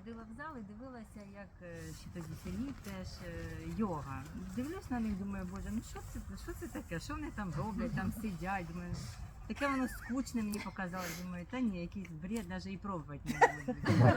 ходила в зал і дивилася, як ще тоді Сергій теж йога. Дивлюсь на них, думаю, боже, ну що це таке? Що вони там роблять, там сидять? Думаю, таке воно скучне мені показалось. Думаю, та ні, якийсь бред, навіть і пробувати не буду.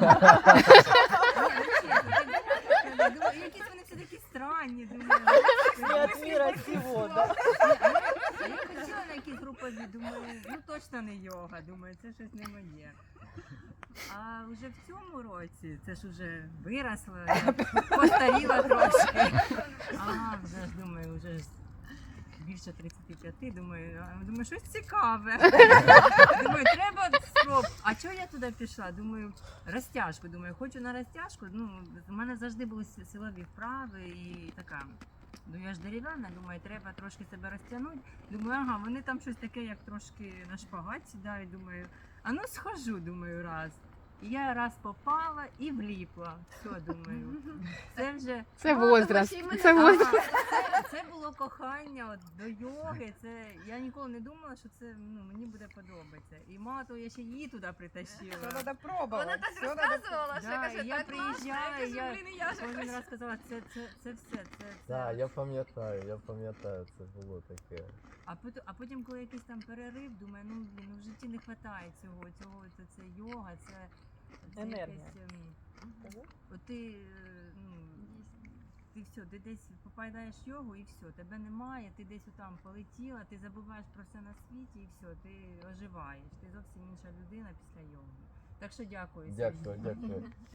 Думаю, якісь вони все такі странні, думаю. Не от мира сего, да? Я хотіла на якісь групові, думаю, ну точно не йога, думаю, це щось не моє. А вже в цьому році, це ж вже виросла, я постаріла трошки. А, вже ж думаю, вже ж більше 35, думаю, щось цікаве. Думаю, треба спробувати. А чого я туди пішла? Думаю, розтяжку. Думаю, хочу на розтяжку. Ну, у мене завжди були силові вправи і така. Ну я ж дерев'яна, думаю, треба трошки себе розтягнути. Думаю, ага, вони там щось таке, як трошки на шпагат сідають. Думаю, а ну схожу, думаю, раз. І я раз попала і вліпла. Все, думаю. Це вже Це возраст. Це Ага, возраст. це було кохання от, до йоги. Це я ніколи не думала, що це мені буде подобатися. І мало того, я ще її туди притащила. Все надо пробовать. Вона так всё надо розказувала, що Да, каже, і я так класно. приїжджаю, Я я кажу, блін, і я ж кожен хочу. раз казала, це все, це. Так, я пам'ятаю, це було таке. А потім, коли якийсь там перерив, думаю, ну блін, ну в житті не вистачає цього, це йога, це Енергія. якесь, от ти, ти все, ти десь попадаєш в йогу і все, тебе немає, ти десь там полетіла, ти забуваєш про все на світі і все, ти оживаєш, ти зовсім інша людина після йоги. Так що дякую. Сергій. Дякую.